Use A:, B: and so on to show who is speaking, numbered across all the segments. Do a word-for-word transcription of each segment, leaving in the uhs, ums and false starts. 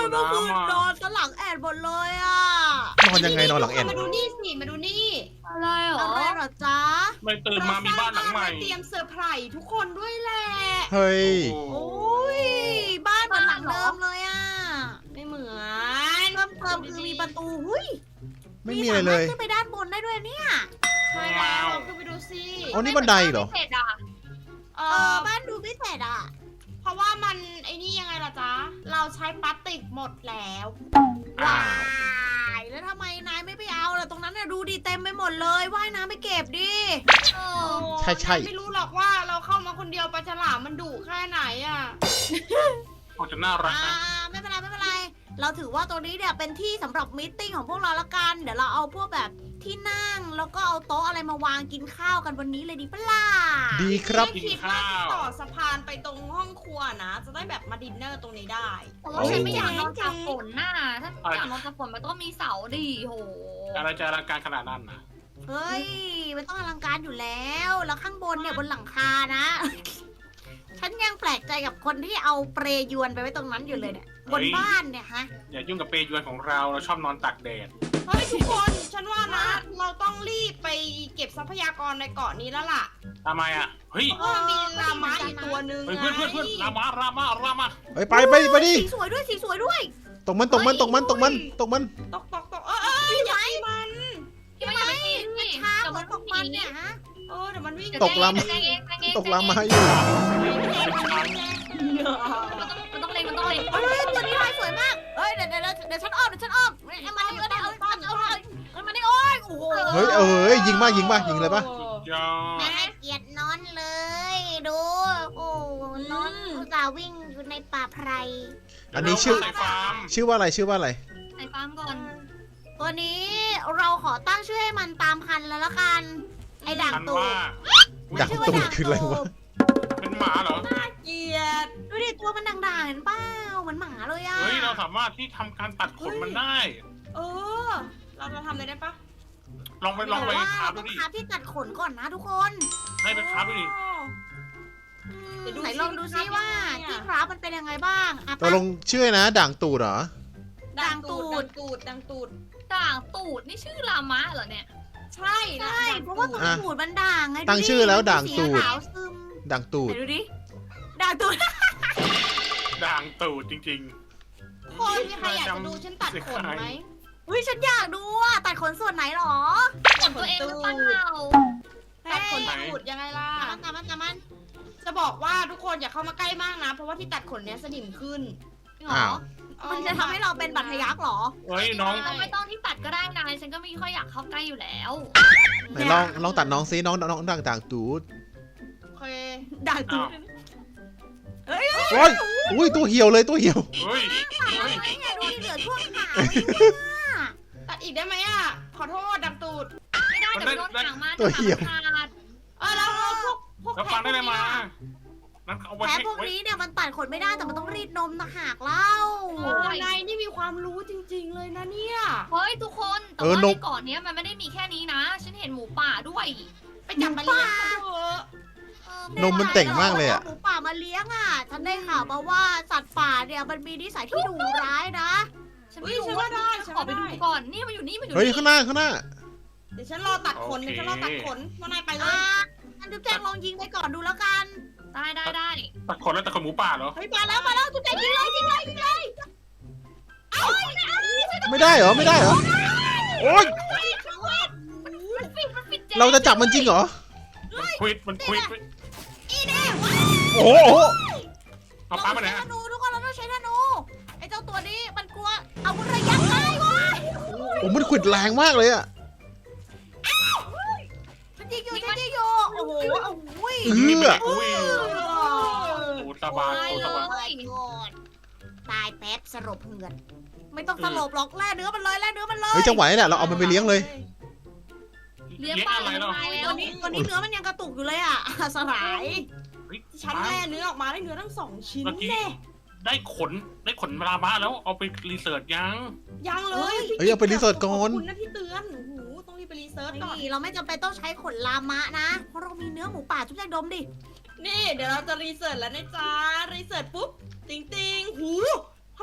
A: เมื่อคืนนอนสลังแอดหมดเลยอ่ะ
B: นอนยังไงนอนหลังแอน
C: มาดูนี่สิมาดูนี่
D: อะไรเหรอ
A: อะไรเหรอจ๊ะ
E: ไม่ตื่นมามีบ้านหลังใหม่
C: เราสร้างบ้านไว้เตรียมเซอร์ไพรส์ทุกคนด้วยแหละ
B: เฮ้ย
E: โอ้
A: โอ้ยบ้านมันหลังเดิมเลยอ่ะ
C: ไม่เหมือน
A: เพิ่มเติมคือมีประตูหุ้ย
B: ไม่มีอะไรเลย
A: สามารถขึ้นไปด้านบนได้ด้วยเนี่ย
C: ใช่แล้วลองขึ้นไปดูสิ
B: อ๋อนี่บันไดเหรอ
D: ไม่เสร็จอ่ะ
C: เอ
A: เออ
C: อ
A: บ้านดูพิเศษอ่ะ
C: เพราะว่ามันไอ้นี่ยังไงล่ะจ๊ะ เราใช้พลาสติกหมดแล้ว
A: ว้ายแล้วทำไมนายไม่ไปเอาล่ะตรงนั้นน่ะดูดีเต็มไปหมดเลยว่ายน้ำไปเก็บดิ
D: เอ
C: โอ้
D: อ
B: ใช่ใช่
C: ไม่รู้หรอกว่าเราเข้ามาคนเดียวปลาฉลามมันดุแค่ไหนอ่ะ
E: คงจะน่ารัก
A: อ่า
E: นะ
A: ไม่เป็นไรไม่เป็นไร เราถือว่าตรงนี้เนี่ยเป็นที่สำหรับมตติ팅ของพวกเราละกัน เดี๋ยวเราเอาพวกแบบที่นั่งแล้วก็เอาโต๊ะอะไรมาวางกินข้าวกันวันนี้เลยดีปะล่ะ
B: ดีครับ
C: ไม่คิดว่าจะต่อสะพานไปตรงห้องครัวนะ จะได้แบบมาดินเนอร์ตรงนี้ได้
D: แต่ว่าฉันไม่อยากนอนตากฝนน่ะถ้าอยากนอนตากฝนมันต้องมีเสาดิโห
E: อะไรจะอลังการขนาดนั้นนะ
A: เฮ้ยมันต้องอลังการอยู่แล้ว แล้วข้างบนเนี่ยบนหลังคานะ ฉันยังแปลกใจกับคนที่เอาเปรยวนไปไว้ตรงนั้นอยู่เลยเนี่ย บนบ้านเนี่ยฮะ
E: อย่ายุ่งกับเปรยวนของเราเราชอบนอนตากแดด
C: เฮ้ยทุกคนฉันว่านะ เราต้องรีบไปเก็บทรัพยากรในเกาะนี้แล้วล่ะ
E: ทำไมอ่ะเฮ้ย
C: เพราะว่ามันมีลาม้าอีกตัวหนึ่ง
E: เฮ้ยเพื่อนเพื่อนเพื่อนรามารามารามา
B: เฮ้ยไปไปไปดิ
A: สีสวยด้วยสีสวยด้วย
B: ตกมันตกมันตกมันตกมันตกมัน
C: ตกตกตกเออเอออย่าตีมัน
D: ที่ไม่อยากไปกินนี่
A: ช้าง
D: เดี๋ยว
A: เหมื
D: มั
A: อน น
D: ต
A: ต
D: ก
A: ก
D: มั
A: มัน น
D: เนี่
A: เนี่ย ยฮะ
C: เออเดี๋ยวมันวิ่ง
B: ตกลำ
D: แจงเองแจงเอง
B: ตกลามาอยู่
D: มันต้องเล็งมันต้องเล็ง
A: เฮ้ยตัวนี้ลายสวยมากเฮ้ยเดี๋ยวเดี๋ยวเดี๋ยวฉันอ้อมเดี๋ยวฉันอ้อมเอ้ยมาดิเอาดิเอาดิเอาดิเอาดิเอามาดิโอ้ยโอ้โห
B: เฮ้ยเอ้ยยิงมายิงมายิงเลยปะ
E: ยอ
A: ไม่
E: ด
A: ให้เกียรตินอนเลย ดู โอ้นอนอุตส่าห์วิ่งอยู่ในป่าไพร
B: อันนี้ชื่อ
E: ใส่ฟาร์ม
B: ชื่อว่าอะไรชื่อว่าอะไร
D: ใส่ฟาร์มก่อน
A: ตัวนี้เราขอตั้งชื่อให้มันตามพันธุ์แล้วละกัน ไอ้ด่าง
E: ฉัน
A: ตู
E: ว่า
B: ด่างตูดคืออะไรวะ
E: เป็นหมาเหรอ
C: เกลียด
A: ดูดิตัวมันด่างๆเห็นเปล่าเหมือนหมาเลยอะ
E: เฮ้ยเราสามารถที่ทำการตัดขนมันได้
C: เออ เราจะทำอะไรได้ปะ
E: ลองไปลองไป
A: แต่ว่า
E: คราฟ
A: เรา
E: ดู
A: ต้อง
E: ดิ
A: คาบที่ตัดขนก่อนนะทุกคน
E: ให้ไปคราฟดูดิ
A: อืม
C: เดี๋ยวดู
A: ไหน
C: สิ
A: ลองดูซิว่า
C: ทำยังไงอะ
A: ที่คราฟมันเป็นยังไงบ้างอ่ะ
B: ตกลงชื่อนะด่างตูดเหรอ
C: ดังตูดดังตูดดังตูด
D: ด่างตูดนี่ชื่อลามะเหรอเนี่ย
C: ใช่
A: ใช่เพราะว่าตรง
B: อ่ะ
A: ตูดมันด่างไง
B: ตั้งชื่อแล้วด่างตูด
A: สีขาวซึม
B: ด่างตู
A: ไห
B: ด
A: นดูดิด่างตูด
E: ด่างตูดจริง
C: คนมีใครอยากจะดูฉันตัดขนไหม
A: อุ้ยฉันอยากดูอ่ะตัดขนส่วนไหนหรอ
D: ขนตัวเองหรือเปล่า
C: ตัดขน
A: เฮ้ย
C: ตูดยังไงล่ะ
A: ตามมันตามมันตามมัน
C: จะบอกว่าทุกคนอย่าเข้ามาใกล้มากนะ เพราะว่าที่ตัดขนเนี้ยสนิมขึ้น
D: จริงเหร
B: อ้า
D: อ
B: ว
C: เออ
A: มันจะทำให้เราเป็นบัตรทะยักหรอ
E: ๆเฮ้ยน้อง
D: ไม่ต้องที่ตัดก็ได้นะฉันก็ไม่ค่อยอยากเข้าใกล้อยู่แล้ว
B: ไหนลองลองตัดน้องซิน้องน้องด่างด่างตูด
C: โอเค
A: ด่างตูด
B: โอ้ยอุ้ยตัวเหี่ยวเลยตัวเหี่ยว
E: เฮ้ยเฮ้ย
A: ไงดูดิเหลือช่วงขา
C: ตัดอีกได้ไหมอ่ะ ขอโทษดังตูด
D: ไม่ได้เดี๋ยวโดนหางมา
B: ตัวเหี่ยว
D: หางมันขาด
C: เออแล้วเราพวกพวก
E: แล้วฟังได้เลยมานั่นเอาไว้
A: แพ้
E: ให้
A: พวก
E: ไว้
A: นี้เนี่ยมันตัดขนไม่ได้แต่มันต้องรีดนมนะหากเล่า
C: โอ้นายนี่มีความรู้จริง ๆ เลยนะเนี่ย
D: เฮ้ยทุกคนแต่
B: เออ
D: ว่าน
B: ม
D: ในเกาะเนี้ยมันไม่ได้มีแค่นี้นะ ฉันเห็นหมูป่าด้วย
C: ไปจับมาเลี้ยงเขาเถอะ
D: เออน
B: มมันเต่งมากเลยอะ
A: หมูป่ามาเลี้ยงอ่ะ ฉันได้ข่าวมาว่าสัตว์ป่าเนี่ยมันมีนิสัยที่ดุร้ายนะ
D: ฉันไม่รู้ว่าได้ฉันขอไปดูก่อนนี่มันอยู่นี่มันอยู่
B: เฮ้ย
D: นี่
B: ข้างหน้าข้างหน้า
C: เดี๋ยวฉันรอตัดขนเดี๋ยวฉันรอตัดขนว่านายไปเล
A: อ่าย อันจุ๊บแจงลองยิงไปก่อนดูแล้วกัน
D: ได้ได้ได้
E: ตัดขนแล้วตัดขนหมูป่าเหรอ
A: เฮ้ยมาแล้วมาแล้วจุ๊บแจงยิงเลยยิงเลยยิงเลย
B: ไม่ได้เหรอไม่ได้เหรอโอ๊ย
D: มันฟิตมันฟิตเจ๊
B: เราจะจับมันจริงเหรอ
E: มันควิดมันควิด
A: อีเน่
B: โอ้โห
E: เอาปลาไปไหน
A: ใช้ธ
E: อะ
A: นูทุกคนเราต้องใช้ธนูไอ้เจ้าตัวนี้มันกลัวอาวุธระยะไกลเว้ย
B: โอ้มันขวิดแรงมากเลยอะ
A: ฉันยิงอยู่ฉันยิงอยู่โอ้โหโอ้โห
B: เอื้อ
E: อุ้ยโอ้ตาบานโอ้ตาบาน
A: โอ้ยโกรธตายแป๊บสลบเหือดไม่ต้องสลบหรอกแล่เนื้อมันเลยแล่เนื้อมันเลย
B: เฮ้ยจังหวะนี้แหละเราเอามันไปเลี้ยงเลย
D: เลี้ยง
E: เลี้ยง
D: ปลา
E: อะไร
D: เลี้ยง
E: เนาะ
D: ปลาแล้
A: ตัว วนี้ตัวนี้เนื้อมันยังกระตุกอยู่เลยอ่ะ สลาย
E: เฮ้ย
C: ฉันแล่เนื้อออกมาได้เนื้อทั้งสองชิ้น
E: เมื่อกี้
C: แน่
E: ได้ขนได้ขนลาบ้าแล้วเอาไปรีเสิร์ชยัง
C: ยังเลย
B: เฮ้ยเอาไปรีเสิร์ชก่อน
C: ขอบคุณนะที่เตือนโอ้โหต้องรีบไปรีเสิร์ชก่อน
A: นี่เราไม่จำเป็นต้องใช้ขนลามะนะ เพราะเรามีเนื้อหมูป่าจุ๊บแจงดมดิ
C: นี่เดี๋ยวเราจะรีเสิร์ชแล้วนะจ๊ะรีเสิร์ชปุ๊บติงติงหูทำไมทำของ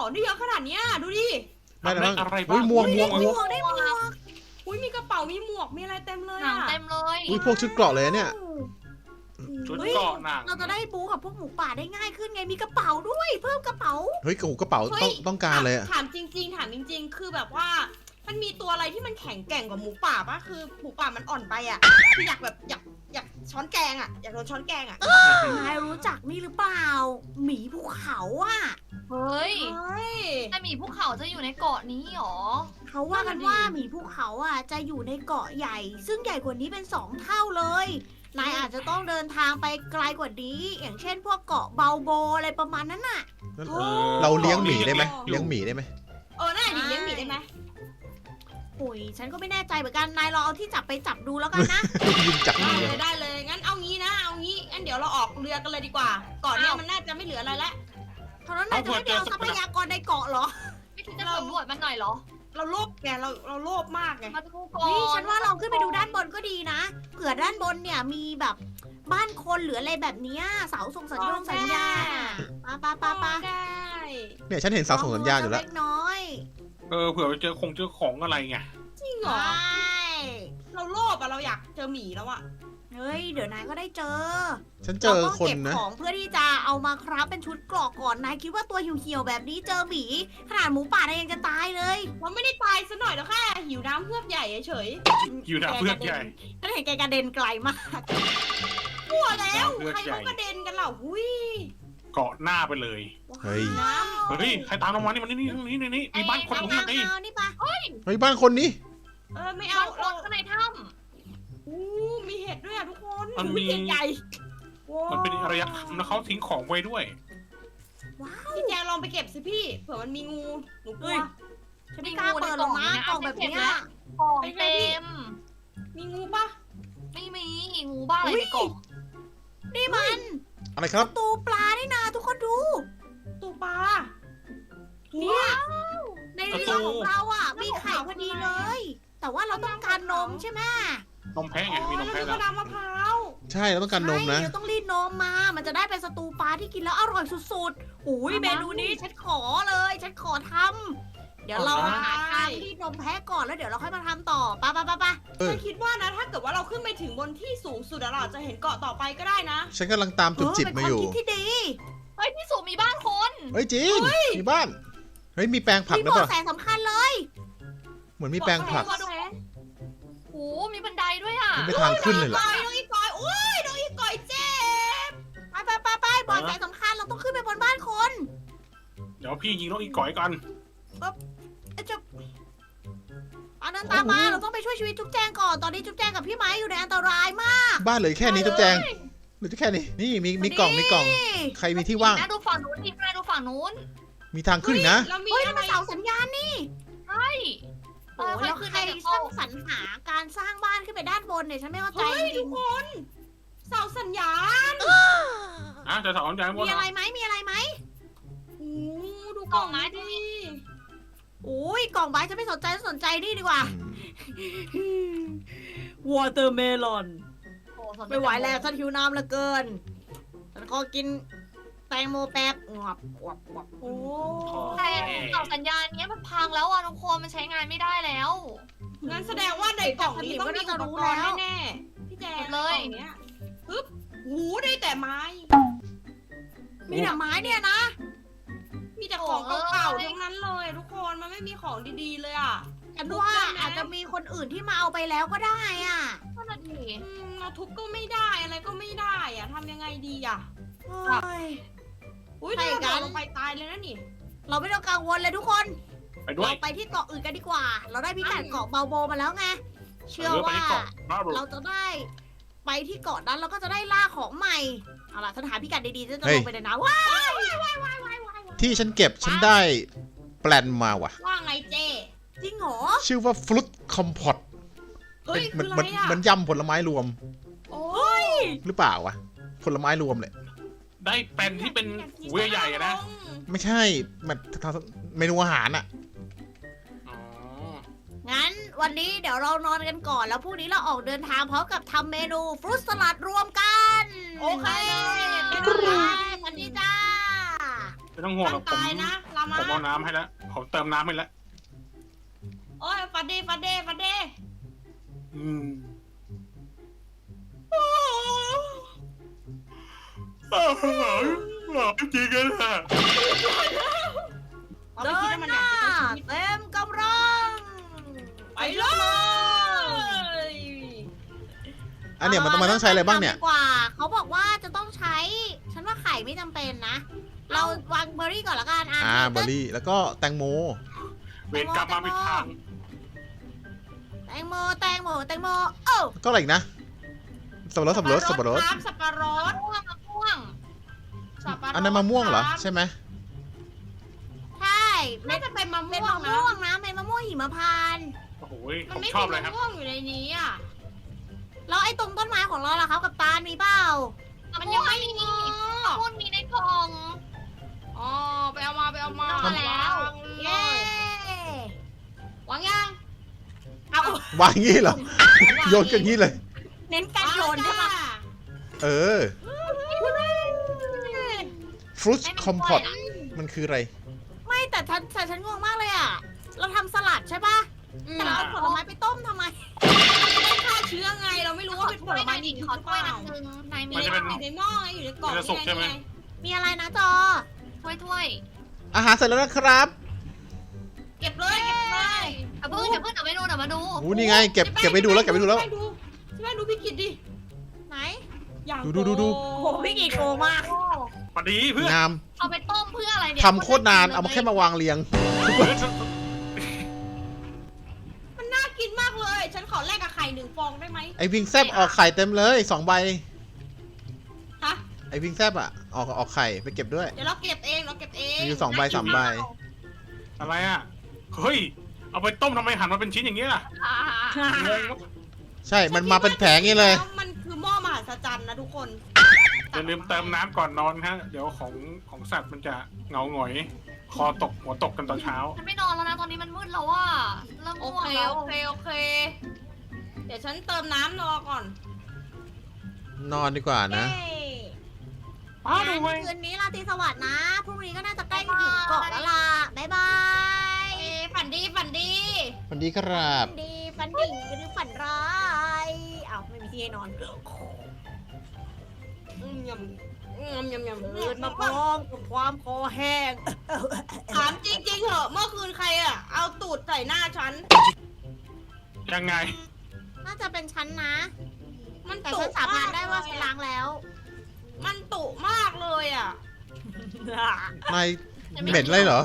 C: ของได้เยอะขนาดเนี้ยดูดิ
B: ได้แล้วมั้ง
E: อะไร
B: อุ้
E: บ้าย ง
B: หมวกหมวกหม
A: หม
B: วก
A: วกได้หมวก
C: อุ้ยมีกระเป๋ามีหมวกมีอะไรเต็มเลย
D: หนัง
C: อะ
D: เต็มเลย
B: อุ้ยพวกชุดเกราะเลยอะเนี่ย
E: ชุดเกราะหนัง
A: เราจะได้บูกับพวกหมูป่าได้ง่ายขึ้นไงมีกระเป๋าด้วย เพิ่มกระเป๋า
B: เฮ้ยกระเป๋ากระเป๋าต้องต้องการเลยอะ
C: ถามจริง ๆ ถามจริง ๆ คือแบบว่า มันมีตัวอะไรที่มันแข็งแกร่งกว่าหมูป่าปะคือหมูป่ามันอ่อนไปอะคืออยากแบบอยากอยากช้อนแกงอะอยากโดนช้อนแกงอะ
A: นายรู้จักนี่หรือเปล่า หมีภูเขาอ่ะ
D: เฮ้ย
C: เฮ้ย
D: แต่หมีภูเขาจะอยู่ในเกาะนี้หรอ
A: เขาว่ากันว่าหมีภูเขาอ่ะจะอยู่ในเกาะใหญ่ ซึ่งใหญ่กว่านี้เป็นสองเท่าเลย นายอาจจะต้องเดินทางไปไกลกว่านี้ อย่างเช่นพวกเกาะเบาโบอะไรประมาณนั้นน่ะ
B: งั้น
C: โอ้
B: เราเลี้ยงหมีได้ไหมเลี้ยงหมีได้ไหม
C: เออน่าดีเลี้ยงหมีได้ไหม
A: โอ้ยฉันก็ไม่แน่ใจเหมือนกัน นายลองเอาที่จับไปจับดูแล้วกันนะ
B: ยิงจับ
C: ได้
B: เล
C: เลย ยได้เลย งั้นเอางี้นะ เอางี้ งั้นเดี๋ยวเราออกเรือกันเลยดีกว่า ก่อนเนี้ยมันน่าจะไม่เหลืออะไรแล้ว
A: เท่านั้นนายจะไม่ไปเอาทรัพยากรในเกาะเหรอ
D: ไม่คิดจะสำรวจมันหน่อยเหรอ
C: เราโลภแกเราเราโลภมากไง
D: มาดูก่อน
A: นี่ฉันว่าเราขึ้นไปดูด้านบนก็ดีนะ เผื่อด้านบนเนี่ยมีแบบบ้านคนหรืออะไรแบบเนี้ยเสาส่งสัญญาณสัญญาณปาปาปาปา
C: ได้
B: เนี่ยฉันเห็นเสาส่งสัญญาณอยู่แล้ว
A: เล็กน้อย
E: เออเผื่อไปเจอคงเจอของอะไรไง
C: จริงเหร
A: ใช
C: อ่ เราโลภอะเราอยากเจอหมีแล้วอะ
A: เฮ้ยเดี๋ยวนายก็ได้เจอ
B: ฉันเจอ
A: ราต้อง
B: คน
A: เก็บ
B: นะ
A: ของเพื่อที่จะเอามาคราฟเป็นชุดเกราะก่อนนายคิดว่าตัวเหี่ยวๆแบบนี้เจอหมีขนาดหมูป่านายยังจะตายเลย
C: เราไม่ได้ตายซะหน่อยแล้วแค่หิวน้ำเพื่อกใหญ่เฉย
E: อยู่หน้าเพื่อนใหญ่
A: ฉันเห็นแกกระเด็นไกลมาก
C: ๆกลัวแล้ว
E: เพื่อก
C: ใคร
E: ใหญ่
C: เขากระเด็นกันเหล่าหุย
E: เกาะหน้าไปเลย
B: เฮ้ย
C: น้
E: เฮ้ยใครตามลงมานี่มันนี่นี่นี่นี่นี่มีบ้านคนตรงนี้
A: เอา
E: ไง
A: เอานี่ปะ
B: เฮ้ยบ้านคนนี้
C: ำเออไม่
D: บา
C: เอา
D: งค
C: เรา
D: นข้างในถ้
C: อู้มีเห็ดด้วยอะทุกคน
E: มันมี
A: ใหญ่
E: มันเป็นอารยธรรมแล้วเขาทิ้งของไว้ด้วย
A: ว้าว
C: พี่แจลองไปเก็บสิพี่ เผื่อมันมีงู หนูกลัว
A: ฉันไม่กล้าเปิดหรอกนะกล่องแบบเนี้ย
D: ำของเต็ม
C: มีงูปะ
D: ไม่มีงูบ้าอะไรในกล่อง
A: นี่มัน
B: อะไรครับ
A: ตูปลานี่นาทุกคนดู
C: ตูปลา
A: เนี่ยใน
E: ประตู
A: เรือของเราอ่ะมีไข่พอดีเลย แต่ว่าเราต้องการนมใช่ไหม
E: นมแพะไงมีนม
C: แล้ว
E: แพะ
C: มี
E: แล้
C: ก
E: ว
C: ระดามะพร้าว
B: ใช่เราต้องการนมนะ
A: ใช่เราต้องรีดนมมา มันจะได้เป็นสตูปลาที่กินแล้วอร่อยสุดๆอุ้ยเมนูนี้ฉันขอเลย ฉันขอทำเดี๋ยวเราหาทางรีดนมแพะก่อนแล้วเดี๋ยวเราค่อยมาทำต่อไปะปะปะปะ
B: เออ
C: ฉันคิดว่านะ ถ้าเกิดว่าเราขึ้นไปถึงบนที่สูงสุดอะเราอาจจะเห็นเกาะต่อไปก็ได้นะ
B: ฉันกำลังตามจุดจิบมาอยู่
A: เเป็นความคิดที่ดี
D: เฮ้ยที่สูมีบ้านคน
B: เฮ้ยจริง มีบ้าน เฮ้ยมีแปลงผัก
A: มี
B: ด้วย
A: เบาะ
B: ป่ะ
A: แสสำคัญเลย
B: เหมือนมีแปลงผัก
C: เบาะแส
D: โอ้มีบันไดด้วยอ่ะ
B: มันเป็นทางขึ้นเลยเหรอ
C: น้องอีกอยโอ้ยน้องอีกอยเจ็บ
A: ไปไปไปไปเบาะแสสำคัญเราต้องขึ้นไปบนบ้านคน
E: เดี๋ยวพี่ยิงนกอีก่อยกัน
A: เอ้ยจะอันนั้นตามมาเราต้องไปช่วยชีวิตจุ๊บแจงก่อนตอนนี้จุ๊บแจงกับพี่ไม้อยู่ในอันตรายมาก
B: บ้านเหลือแค่นี้จุ๊บแจงเหลือแค่นี้ นี่มีมีกล่องมีกล่อง ใครมีที่ว่าง
D: น่าดูฝั่งนู้นดิน่าดูฝั่งนู้น
B: มีทางขึ้นอีกนะ
C: เรามี
A: เฮ้ย
C: อะ
A: นั่น
C: ไร
A: มันเสาสัญญาณนี่
D: ใช่เอ
A: โอ้
D: อ
A: โหแล้ว
D: ขึ้น
A: ใคร
D: ได้
A: สร้างสรรหาการสร้างบ้านขึ้นไปด้านบนเนี่ยฉันไม่เข้าใจ
C: เฮ้ย
A: จ
C: ทุ
A: ริ
C: ก
A: ง
C: คน เสาสัญญาณ
E: อ่ะจะสอนใจ
A: ๆ
E: ว่า
A: มีอะไรไหมมีอะไรไหม
C: โอ้ดูกล่องไม้ดิ
A: โอ้ยกล่องใบฉันไม่สนใจฉันสนใจนี่ดีกว่า วอเตอร์เมลอน
D: โอ้สนใจ
A: ไม่ไหวแล้วฉันหิวน้ำเหลือเกิน ฉันขอกินแตงโมแป๊บงอบงอบงอบ
C: โอ้
D: แต่เสาสัญญาณเนี้ยมันพังแล้วอ่ะทุกคนมันใช้งานไม่ได้แล้ว
C: งั้นแสดงว่าในกล่องนี้ต้องมีอุปกรณ์แน่ๆพี่แจง
D: เลย
C: กล่องเนี้ยปึ๊บหูได้แต่ไม้
A: มีแต่ไม้เนี่ยนะ
C: มีแต่ของเก่าๆทั้งนั้นเลยทุกคน มันไม่มีของดีๆเลยอ่ะ
A: ฉันว่าอาจจะมีคนอื่นที่มาเอาไปแล้วก็ได้อ่ะ
D: นั่นน่ะดิ
C: อืมเราทุบก็ไม่ได้อะไรก็ไม่ได้อ่ะทำยังไงดีอ่ะ
A: เฮ้ย
C: อุ้ย
A: ใช่
C: ถ้า
A: กั
C: เรา
A: น
C: ลงไปตายเลยนะนี่
A: เราไม่ต้องกังวลเลยทุกคน
E: ไปด้วย
A: เราไปที่เกาะอื่นกันดีกว่า เราได้พิกัดเกาะเบาโบมาแล้วไง เชื่อ
E: เออไป
A: ว่า
E: ที่เกาะบ้าบอ
A: เราจะได้ไปที่เกาะนั้นเราก็จะได้ล่าของใหม่ เอาล่ะฉันหาพิกัดดีๆฉันจะ
B: เฮ้
A: ล
B: ย
A: งไปเลยนะว้าย
B: ที่ฉันเก็บฉันได้แปลนมาว่ะ
C: ว่าไงเจ
A: จริงเหรอ
B: ชื่อว่าฟรุตคอมพอต
C: เฮ้ย
B: มั
C: คืออะ
B: มั
C: ไรอ่ะ
B: มันยำผลไม้รวม
C: โอ้ย
B: หรือเปล่าวะ ผลไม้รวมเลย
E: ได้เป็นที่เป็นหูใหญ่ๆอะนะ
B: ไม่ใช่มันเมนูอาหารอะ
E: อ๋อ
A: งั้นวันนี้เดี๋ยวเรานอนกันก่อน แล้วพรุ่งนี้เราออกเดินทางพร้อมกับทำเมนูฟรุตสลัดรวมกัน
C: โอเค
A: ไปเลยไปเลยสวัสดีจ้า
E: ไม่ต้องห่วงหร
C: ร่า
E: อก
C: ง
E: ผม
C: กายนะ เราามมา
E: ผมเอาน้ำให้แล้วผมเติมน้ำให้แล้ว
C: โอ้ยฟันเดฟันเดฟันเด
E: อืมหลับจริงกันอ่ะ
C: เราไม่
A: เดิ
C: คิด
A: น
C: ว่ามัน
A: ห
C: อยา
A: น้าก
C: จะใช้ชีวิต
A: เต็มกำลัง
C: ไปเลย
B: อันเนี้ยมันต้องมันต้องใช้อะไรบ้างเนี่ย
A: ดีกว่าเขาบอกว่าจะต้องใช้ ฉันว่าไข่ไม่จำเป็นนะ เราวางเบอร์รี่ก่อนละกันอ่ะ
B: อ่าเบอร์รี่แล้วก็แตงโม
E: เวรกลับมาผิดทาง
A: แตงโมแตงโมแตงโมโอ้
B: ก็อะไรอีกนะสับปะรดสับปะรดสับปะรด
C: ครับสับปะรด
D: ม่วงมะม่วง
C: สับปะรด
B: อันนั้นมะม่วงเหรอใช่ไหม
A: ใช่เม็
C: น่า
A: ด
C: จะเป็นมะ
A: เม็ด
C: ม่วง
A: มะ
C: นะ
A: ม่วงนะเม็ดมะม่วงหิมพานต์
E: โอ้โห
C: มั
E: ผ
C: น
E: ม
C: ไม่
E: ชอ
C: มี
E: บเลยค
C: มะ
E: รับ
C: ม่วงอยู่ในนี้อ่ะ
A: แล้วไอ้ตรงต้นไม้ของเราล่ะครับกับตาลมีเปล่า
C: มันยังไม่มี
D: มะม่วงมีในกล่อง
C: อ๋อไปเอามาไปเอามา
A: เอามาแล้ว
C: วางเล
A: เย้
C: ยวางยัง
A: เอา
B: วางงี้เหรอ โยนกันงี้เลย
A: เน้นการโยนใช่ปะ
B: เออฟรุตคอมพอตมันคืออะไร
A: ไม่แต่ฉันแต่ฉันงงมากเลยอ่ะ เราทำสลัดใช่ปะ
C: อืม
A: แต่เราเอาผลไม้ไปต้มทำไม
C: ฆ่าเชื้อไงเราไม่รู้ว่าเป็นผลไม้ดี
D: ขอถ้วยหนึงนายมี
C: มันจะเป็นอยู่ในหม้อไงอยู่ในกล่อง
E: มันจะสุกใช่ไหม
C: ง
A: มีอะไรนะจอ
D: ถ้วยถ้วย
B: อาหารเสร็จแล้วนะครับ
C: เก็บเลยเก็บเลย
D: เอาเพิ่งเดี๋ยวเพิ่งเดี๋ยวไปดูเดี๋ยวมาดู
B: อู้นี่ไงเก็บเก็บไปดูแล้วเก็บไปดูแล้ว
C: ใช่ดูใช่ไหมดูพี่กิตดิ
A: ไหน
C: อย่าง
B: ดูดูดูดู
C: โก
A: โอ้โหพี่กีโกมาก
E: พอดีเพื่อน
B: งาม
D: เอาไปต้มเพื่ออะไรเนี่ย
B: ทำโคตรนานเอามาแค่มาวางเรียง
C: มันน่ากินมากเลย ฉันขอแลกกับไข่หนึ่งฟองได้ไหม
B: ไอวิงแซบออกไข่เต็มเลยสองใบ
C: ฮะ
B: ไอวิงแซบอ่ะออกออกไข่ไปเก็บด้วย
C: เดี๋ยวเราเก็บเองเราเก็บเอง
B: มีอยู่สองใบสามใบ
E: อะไรอ่ะ เฮ้ย เอาไปต้มทำไมหั่นมาเป็นชิ้นอย่างนี้ล่ะ
D: อ่า
E: งง
B: ใช่มันมาเป็นแผงงี้เลย
C: แล้วมันคือหม้อมหัศจรรย์นะทุกคน
E: อย่าลืมเติมน้ำก่อนนอนฮะ เดี๋ยวของของสัตว์มันจะเหงาหงอย คอตกหัวตกกันตอนเช้า
D: ฉันไม่นอนแล้วนะตอนนี้มันมืดแล้วว่าเริ่ม
C: โอ
D: ง่วง
C: เค
D: แล้ว
C: โอเคโอเค เดี๋ยวฉันเติมน้ำรอก่อน
B: นอนดีกว่านะ
A: เย้
E: อ้าวดู
A: งั้น
E: เว้ย
A: คืนนี้ราตรีสวัสดิ์นะ พรุ่งนี้ก็น่าจะใกล้ถึงเกาะแล้วล่ะ บ๊ายบาย
C: เอ้ฝันดีฝันดี
B: สวัสดีครับ
A: ฝันดีฝันดีหรือฝันร้ายอ้าวไม่มีที่ให้นอน
C: อืมยำอืมยำยำ
A: เกิดมาพร้อมกับความคอแห้ง
C: ถามจริงๆเหอะเมื่อคืนใครอะเอาตูดใส่หน้าฉัน
E: ยังไง
A: น่าจะเป็นฉันนะ
C: มัน
A: แต่
C: ตุ
A: ฉันสาบานได้ว่า
C: เล
A: ฉั
C: ย
A: น
C: อะ
A: ล้างแล้ว
C: มันตุมากเลยอ่ะ
B: นายเหม็นเลยเหรอ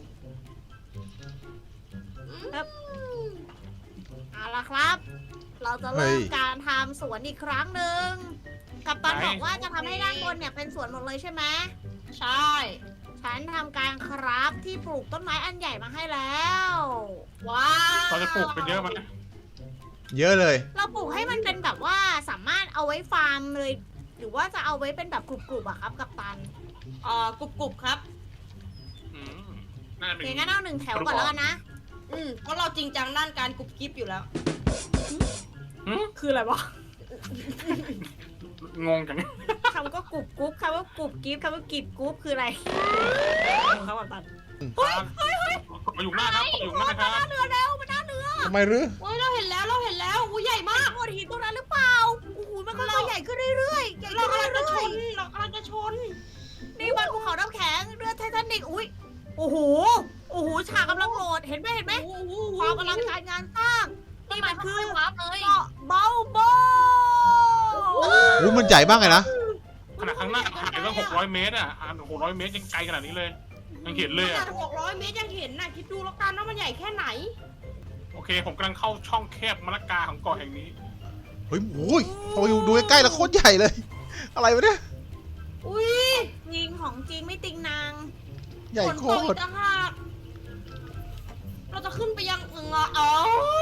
A: เอาละครับ เราจะ
B: เฮ้
A: เริ่
B: ย
A: มการทำสวนอีกครั้งหนึ่ง กัปตัน
E: ไหน
A: บอกว่าจะทำให้ด้านบนเนี่ยเป็นสวนหมดเลยใช่ไหม
C: ใช่
A: ฉันทำการครับที่ปลูกต้นไม้อันใหญ่มาให้แล้ว
C: ว้าว
E: เราจะปลูกกันเยอะไหม
B: เยอะเลย
A: เราปลูกให้มันเป็นแบบว่าสามารถเอาไว้ฟาร์มเลย หรือว่าจะเอาไว้เป็นแบบกรุบๆอะครับกัปตัน
C: เอ่อกรุบกรุบๆครับ
E: อืมน่าจะเป็น
A: อย่างนั้นเอาหนึ่งแถวก่อนแล้วกันนะ
C: อืมเพราะเราจริงจังด้านการกรุบกริบอยู่แล้ว
A: คืออะไรวะ
E: งงจัง
A: คำก็กรุบกรุ๊บคำว่ากรุบกริบคำว่ากิบกรุ๊บคืออะไรครับกัปตัน
E: เฮ้ยเฮ้ยเฮ้ยมาอยู่หน้าครับมาอยู่หน้านะครับ
A: เรือแล้วมันน่าเรือ
B: ทำไมหรือ
C: โอ้ยเราเห็นแล้วเราเห็นแล้วอู้ใหญ่มาก
A: โขดหินตรงนั้นหรือเปล่าโอ้โหมันก็ใหญ่ขึ้นเรื่อยๆใหญ่
C: เรา
A: ขึ้น
C: กำลังจะช
A: เรื่อย
C: นเรากำลังจะชน
A: ๆนี่มันภูเขาน้ำแข็งเรือไททานิกอุ้ยโอ้โหโอ้โหฉากกำลังโหลดเห็นไหมเห็นไหม
C: โอ้โห
A: ความกำลังการงานสร้าง
D: ต้น
A: นี่
D: ไม้
A: มัน
D: คื
A: คือ อ
D: วาร์ปเลย
A: เกาะเบาโบ
B: อู้มันใหญ่มากเลยนะ
E: ขนาดข้างหน้าถ่ายตั้งหกร้อยเมตรอ่ะอ่านหกร้อยเมตรยังไกลขนาดนี้เลย ยังเห็นเลย
C: ข
E: อ่ะ
C: นาดหกร้อยเมตรยังเห็นน่ะคิดดูแล้วกันว่ามันใหญ่แค่ไหน
E: โอเค ผมกำลังเข้าช่องแคบมะละกาของเกาะแห่งนี้
B: เฮ้ยโอ้ยพออยู่ดูใกล้ๆแล้วโคตรใหญ่เลย อะไรวะเนี่ย
C: อุ้ย
A: จริงของจริงไม่ติงนาง
B: ใหญ่
C: ฝน
B: โค
C: ตกอี
B: ตร
C: กต่างหากเราจะขึ้นไปยังเงาเอ้า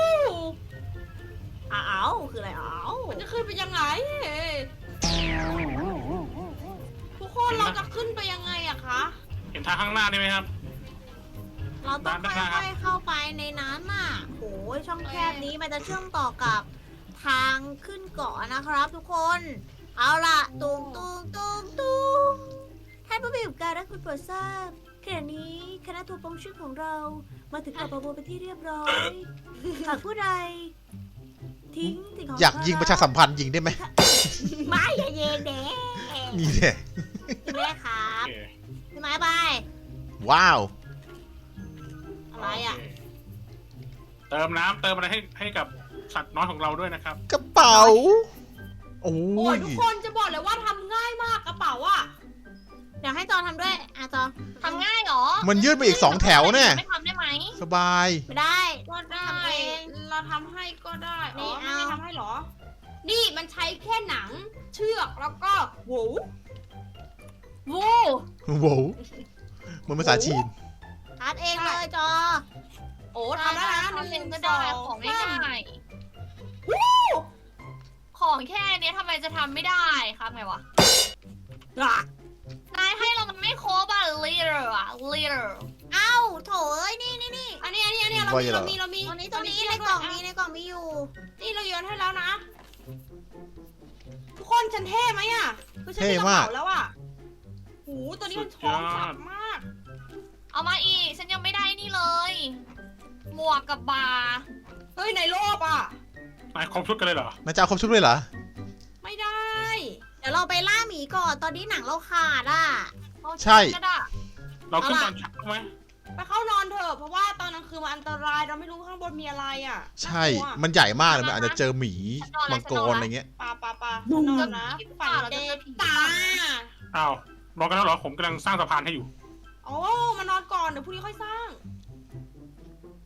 A: อ้าวคืออะไรอ้าว
C: มันจะขึ้นไปยังไง ทุกคนเราจะขึ้นไปยังไงอะคะ
E: เห็นทางข้างหน้านี่ไหมครับ
A: เราต้อง
E: ด้านหน้า
A: ค่อยๆเข้าไปในนั้นน่ะโอ้ยช่องแคบนี้มันจะเชื่อมต่อกับทางขึ้นเกาะนะครับทุกคน เอาล่ะตุงตุงตุงตุงท่านผู้มีการรักคุณโปรดทราบขณะนี้คณะตัวปองชื่อของเรามาถึงเกาะปาโบเป็นที่เรียบร้อยหากผู้ใดทิ้งสิ่งของ
B: อยากยิงประชาสัมพันธ์ยิงได้ไหม
A: ไม่อย่ายิงเด็
B: นี่แหละ
A: แม่ครั
E: โอบ เค
A: พี่ไม้ไป
B: ว้าว
A: อะไรอ่ะ
E: โเคเติมน้ำเติมอะไรให้ให้กับสัตว์น้อยของเราด้วยนะครับ
B: กระเป๋า โอ้
C: โอ้ย
B: ย
C: ทุกคนจะบอกเลยว่าทำง่ายมากกระเป๋าอ่ะ
A: เดี๋ยวให้จอทำด้วยอ่ะจอ
D: ทำง่ายเหรอ
B: มันยืดไปอีกสองแถวเนี่ย
D: ไม่ทำได้ไหม
B: สบาย
A: ไม่ได้
C: ก็ได้
A: ทำเอง
C: เราทำให้ก็ได้
A: นี่
C: อ๋อไม่
A: เอา
C: ได้ทำให้เหรอ นี่มันใช้แค่หนัง เชือกแล้วก็โหว
D: วู
B: โว้วเหมือนภาษาจีน
A: ทัดเองเลยจอ
C: โอ้ทำได้แล้วนะ
D: ทำ
C: ห
D: เอ
C: นึ่
D: ง
C: ง
D: ก็
C: ส
D: ได้
C: อง
D: ของ
C: สาม
D: ง่ายๆของแค่เนี้ยทำไมจะทำไม่ได้ครับไงวะ
A: อ่ะ
D: นายให้เรามันไม่ครบอะ leader อะ leader
A: เอ้าโถเอ้ยนี่นี่นี่
C: อันนี้อันนี้อันนี้เรา
B: ว่า
C: มี
B: จะเหรอ
C: เรามีเรามี
A: ตรงนี้ตรงนี้
C: เา
A: ใน
C: เชื
A: กล่อง
C: ด้วย
A: มีในกล่องมีอยู่
C: นี่เราโยนให้แล้วนะ ทุกคนฉันเท่ไหมอ่ะคือฉันมีกระ
B: เท่มาก
C: เป๋าแล้วอ่ะหูตัวนี้มันท้องสับมาก
D: เอามาอีก ฉันยังไม่ได้นี่เลย หมวกกับบาร์
C: เฮ้ยในโลกอ่ะ
E: นายครบชุดกันเลยเหรอ
B: นายจะเอาครบชุดเลยเหรอ
C: ไม่ได้
A: เดี๋ยวเราไปล่าหมีก่อนตอนนี้หนังเราขาดอ่ะ
D: เอา
B: ใช่
D: ก็ได้
E: เราขึ้น
A: เอา
E: ต
A: ล่ะ
E: อนเช้าไหม
C: ไปเข้านอนเถอะเพราะว่าตอนกลางคืนมันอันตรายเราไม่รู้ข้างบนมีอะไรอ่ะ
B: ใช่
C: น่ากลัว
B: มันใหญ่มากเลยมันอาจจะเจอหมีมังกรอะไรเงี้ย
C: ปาปาปาฉันนอนนะฝันเด็กตา
E: อ้าว นอนกันแล้วเหรอ ผมกำลังสร้างสะพานให้อยู่
C: โอ้มานอนก่อนเดี๋ยวพรุ่งนี้ค่อยสร้าง